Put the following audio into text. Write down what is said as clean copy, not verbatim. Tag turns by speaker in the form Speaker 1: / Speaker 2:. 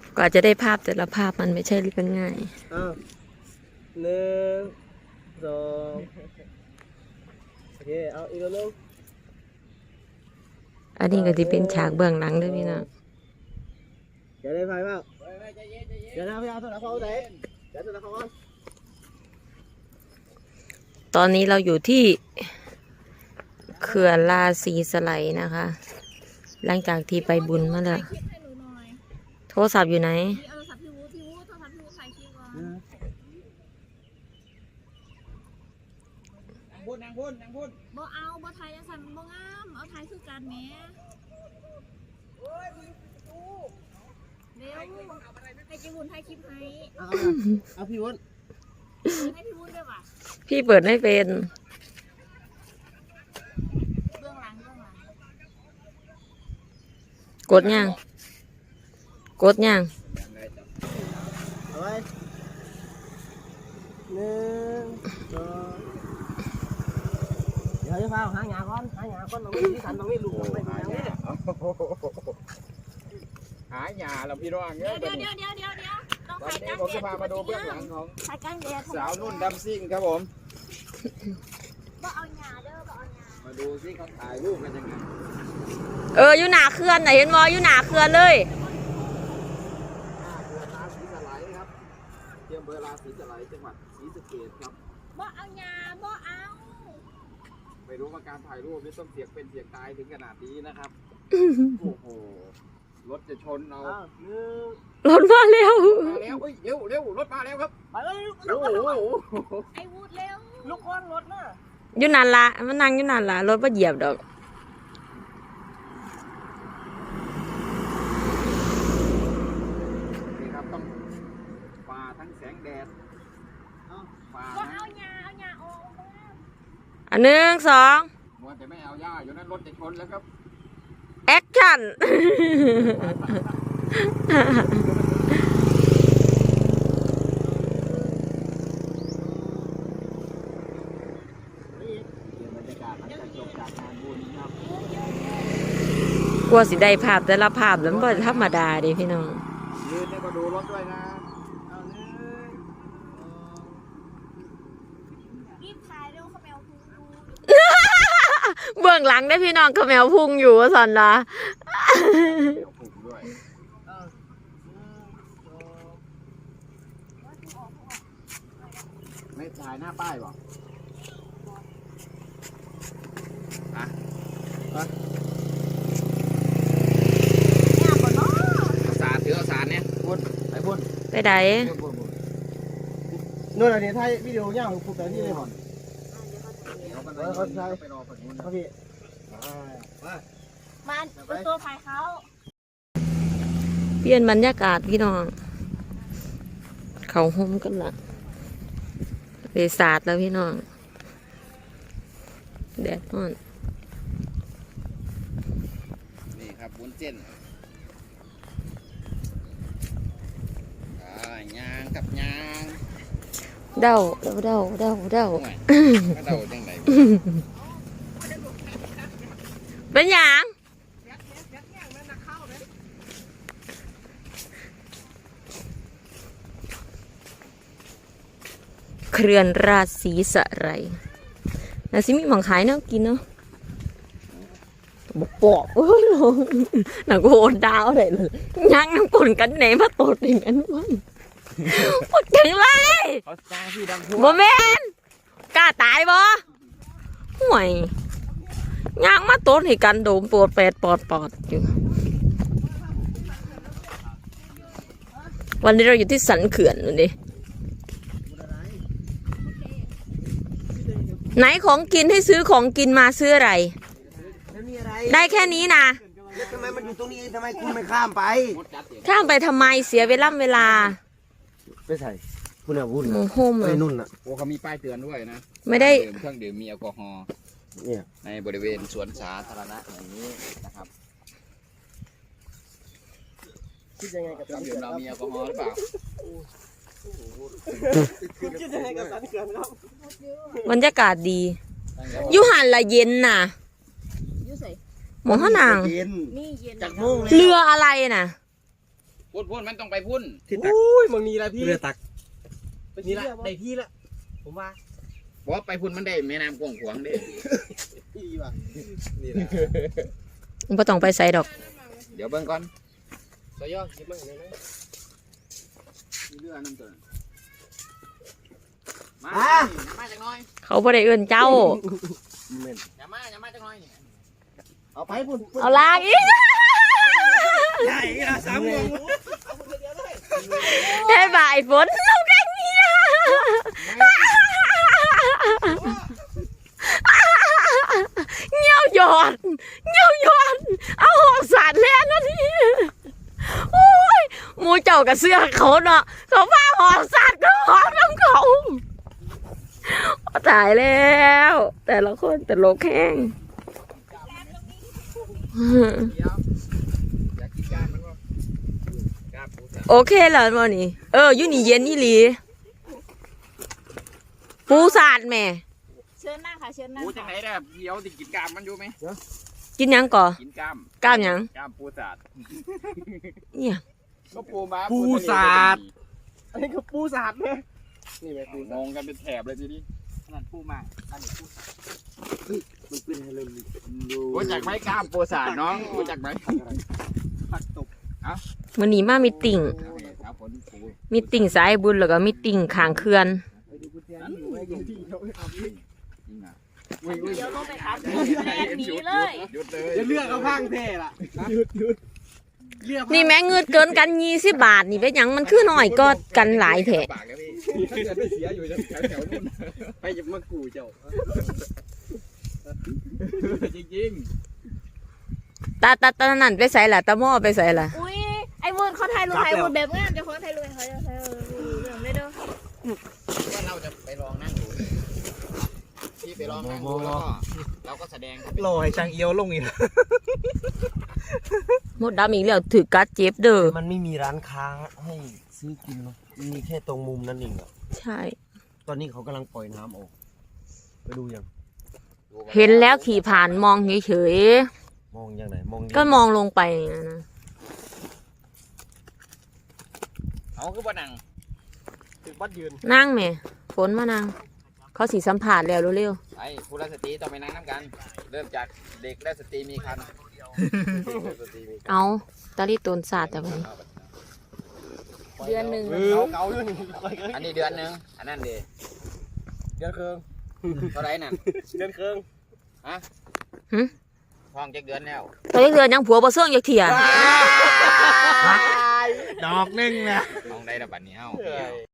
Speaker 1: กว่าจะได้ภาพแต่ละภาพมันไม่ใช่เรื่องง่าย
Speaker 2: 1 2โอเคเอาอีกแล้วนึง
Speaker 1: อันนี้ก็จะเป็นฉากเบื้องหลังด้วยพี่น้อง
Speaker 2: เดี๋ยวได้ไฟบ้างเดี๋ยวนะพี่เอาโทรศัพท์เขาไหนเดี๋ยวโทรศัพท์เขาก่อน
Speaker 1: ตอนนี้เราอยู่ที่เขื่อนราศีสไลด์นะคะ หลังจากที่ไปบุญมาแล้วโทรศัพท์อยู่ไหน
Speaker 3: นางพุ่นบ่เอาบ่ไทยยังสั่นบ่งามเอาไทยคือการแหมเร็วให้จิวุนไทยคลิปให้
Speaker 2: เอาพี่วุ้น
Speaker 3: ให้พี่วุ้นด้วยว่ะ
Speaker 1: พี่เปิดไม่เป็น
Speaker 3: เบื้องหลัง
Speaker 1: กดยังกดยัง
Speaker 2: เอาไว้1 2เดี๋ยวจะพาหาหยาก่อนตรงนี้ที่สันตรงนี้ลูกไปหาหยา
Speaker 4: เราพี่น้อง
Speaker 3: เดี๋ยวต้องถ่ายกัน
Speaker 4: ผมจะพามาดูเบื้องหลังของสาวนุ่นดำซิ่งครับผม
Speaker 3: บ่เอาหยาเด้อบ่เอาหยา
Speaker 4: มาดูซิเขาถ่ายรูปกันยังไง
Speaker 1: อยู่หน้าเขื่อนไหนเห็นมออยู่หน้าเขื่อนเลย
Speaker 4: เขื่อนราศีสไลด์ครับที่อำเภอราศีสไลด์จังหวัดศรีสะเกษครับ
Speaker 3: บ่เอาหยาบ่เอา
Speaker 4: ไม่รู้ว่าการถ่ายรูปนี่ต้องเสียงเป็นเสียงตายถึงขนาดนี้นะครับโอ้โหรถจะชนเอา
Speaker 1: รถมาแล้ว
Speaker 4: เฮ้ยเร็วรถมาแล้วครับ
Speaker 2: ไปเลย
Speaker 4: โอ้โห
Speaker 3: ไอ้วูดเร็ว
Speaker 2: ลูกก้อนรถน่ะ
Speaker 1: อยู่นั่นละมันนั่งอยู่นั่นละรถมาเหยียบดอก
Speaker 4: นี่ครับต้องฝ่าทั้งแสงแดดฝ่า
Speaker 3: เอาหยาออก
Speaker 1: อัน1 2
Speaker 4: มัวแต่ไม่เอาหญ้าอยู่นั้นรถจะชนแล้วครับ
Speaker 1: แอคชั่นกลัวสิได้ภาพแต่ละภาพแล้วมันธรรมดาดิพี่น้อง
Speaker 4: ยืนเนี่ยมาดูรถด้วยนะ
Speaker 3: รีบถ่ายเร็วเขาแมวพุงดู
Speaker 1: เบื้องหลังได้พี่น้องขแมวพุงอยู่สันละ
Speaker 4: ไม่ถ่ายหน้าป้ายหรอสารถือเอาสารเนี่ยพุ่น
Speaker 1: ไปไหน
Speaker 2: นู่นอะไรเนี่ยไทยวิดีโอย่างฝึกแต่ที่เลยก่อนเขาใช้ไปรอฝั่งนู้นนะพี่
Speaker 3: มาเป็นตัวถ่ายเขา
Speaker 1: เปลี่ยนบรรยากาศพี่น้องเขาห่มกันละเรศาสตร์แล้วพี่น้องแดดร้อน
Speaker 4: นี่ครับวุ้นเส้นยางกับยาง
Speaker 1: เดา
Speaker 4: จังไหน
Speaker 1: เป็นหยางเขื่อนราศีสไลด์น่าสิมีหมังขายเนาะกินเนาะปอกหนังโหดดาวอะไรเลยยังน้ำกลนกันไหนมาตดอย่างนั้นวะปดถึงเลยบ่แม่นกล้าตายบ่ห่วยย่างมาตดให้กันโดมปวดแปดปอดอยู่วันนี้เราอยู่ที่สันเขื่อนดูดิไหนของกินให้ซื้อของกินมาซื้ออะไรได้แค่นี้นะ
Speaker 2: ทำไมมันอยู่ตรงนี้ทำไมคุณไม่ข้ามไป
Speaker 1: ทำไมเสียเวลา
Speaker 2: ไม่ใช่คุณอะวุ่น
Speaker 1: โฮม
Speaker 2: ไอ้นุ่นอะ
Speaker 4: โอ้เขามีป้ายเตือนด้วยนะ
Speaker 1: ไม่ได้
Speaker 4: เครื่องดื่มมีแอลกอฮอล์ในบริเวณสวนสาธารณะอย่างนี้นะครับ
Speaker 2: คิดยังไงกับ
Speaker 4: เครื่องดื่มเรามีแอลกอฮอล์หรือเปล่า
Speaker 2: คิดยังไงกับสันเขื่อนครับ
Speaker 1: บรรยากาศดีอยู่หันละเย็นน่ะหมองข้างนาง
Speaker 2: จากโมง
Speaker 1: เรืออะไรน่ะ
Speaker 4: พุ่นมันต้องไปพุ่น
Speaker 2: ที่ตัก
Speaker 5: อุ้ยมึงนี่ละพี่
Speaker 2: เรือตัก
Speaker 5: นี่ละได้ที่ละผมว่า
Speaker 4: บอกว่าไปพุ่นมันได้แม่น้ำกว้างขวางเด้
Speaker 5: พี่ว่ะ
Speaker 2: นี่แหละ
Speaker 1: บ่ต้องไปใส่ดอก
Speaker 4: เดี๋ยวเบิ่งก่อน
Speaker 5: สยอคิดมั่งเลยนะ
Speaker 4: มีเรือน้ำตัวนั้นมา
Speaker 2: อ่ะ
Speaker 4: อย่ามาจักหน่อย
Speaker 1: เขาบ่ได้เอื้อนเจ้า
Speaker 4: อย่ามาจักหน่อยนี่
Speaker 2: เอาไปพุ่น
Speaker 1: เอาลากอีก
Speaker 2: ใหญ่อะสามโมง
Speaker 1: เฮ้ยบ่ายฝนลงกันเนี่ยเงี้ยวหยอดเอาหอกสาดแล้วนะนี่โอ้ยหมูเจ้ากับเสื้อเขาเนาะเขาพาหอกสาดก็หอกน้ำเขาตายแล้ว แต่ละคนแต่โลกแห้ง
Speaker 4: เดี๋ยวอยากกินกล้ามมันบ่กล้ามปูสัตว์
Speaker 1: โอเคแล้วมื้อนี้อยู่นี่เย็นอีหลีปูสาดแม่
Speaker 3: เชิญนั่งค่ะเชิญนั่ง
Speaker 4: ปูจังไหนได้เดี๋ยวสิกินกล้ามมันอยู่ไหม
Speaker 1: กินหยังก่อ
Speaker 4: กินกล้าม
Speaker 1: กล้ามหยัง
Speaker 4: กล้ามปูสัตว์
Speaker 1: เนี่ย
Speaker 4: ก็ปูมา
Speaker 5: ปู
Speaker 4: ทะเล
Speaker 5: สัตว์อันนี้คือปูสัตว์เนี่ยนี่แม่ปู
Speaker 4: งงกันเป็นแถบเลยทีนี้
Speaker 5: นั่นปูมาอันนี้ปูสัตว์มันเป็นให้เริ่มดู
Speaker 4: รู้จักไหมกล้ามปูสัตว์น้องรู้จักไหม
Speaker 5: ผักตบ
Speaker 1: มื้อนี้มามีติ่ง
Speaker 4: ครับผลปู
Speaker 1: มีติ่งสายบุญแล้วก็มีติ่งข้างเขื่อน
Speaker 5: ไปดูกุญแจนี่อยู่ไว้ยังที่เขาไม่ทำนี่
Speaker 4: จริงอ่ะ
Speaker 3: เดี๋ยวลงไปครับแลนหนีเลย
Speaker 4: หยุดเลย
Speaker 5: จะเลือกเอาข้างเท่ล่ะหยุดเลือก
Speaker 1: นี่แม่เงินเกินกัน20 บาทนี่เป็นหยังมันคือน้อยก็กันหลายแท้
Speaker 4: ปากแล้วพี่ถ้าเกิดไม่เสียอยู่แถวๆนู้น
Speaker 5: ไปจะมากูเจ้า
Speaker 4: จริง
Speaker 1: ตานั่นไปใส่ล่ะตาหม้อไปใส่ล่ะ
Speaker 3: อุ้ยไอ้วุ้นเขาถ่ายรูปแบบงามจะคนถ่ายรูปเขาจะถ่ายรูปเรื่องไม่เด้อ
Speaker 4: ๆว่าเราจะไปลองนั่งดูพี่ไปลองนั่งดูแล้วก็เราก็แสดง
Speaker 2: รอให้ช่างเอียวลงอีก
Speaker 1: หมดดำอีกแล้วถือกัดเจ็บเด้อ
Speaker 2: มันไม่มีร้านค้าให้ซื้อกินเนาะมันมีแค่ตรงมุมนั่นเองอะ
Speaker 1: ใช่
Speaker 2: ตอนนี้เขากำลังปล่อยน้ำออกไปดูยัง
Speaker 1: เห็นแล้วขี่ผ่านมองเฉย
Speaker 2: มองยังไหนมอง
Speaker 1: ๆก็มองลงไปอย่างนั้นนะ
Speaker 4: เอาคือบ่นั่ง
Speaker 5: ถึงบ้านยืน
Speaker 1: นั่งแม่ฝนมานั่งเขาสีสัมผัสแล้วเร็ว
Speaker 4: ไอ้ผู้รัสตรีต้องไปนั่งน้ำกัน เริ่มจากเด็กและสตรีมีคัน
Speaker 1: ๆเอาตาลีตนศาสตร์แต่วันนี้เดือนหนึ่ง
Speaker 5: เก่าอยู่นี่
Speaker 4: อันนี้เดือนหนึงอันนั้นเด
Speaker 5: เดือนเคือง
Speaker 4: เท่าไหรนั่น
Speaker 5: เดือนเคือง
Speaker 4: ท้องจักเดือนแล้ว
Speaker 1: ตอนนี้เดือนยังผัวบ่เสื่องอยากเถีย
Speaker 2: ดอกนึงนะ
Speaker 4: ท้องได้ระบาดนี้เอ้า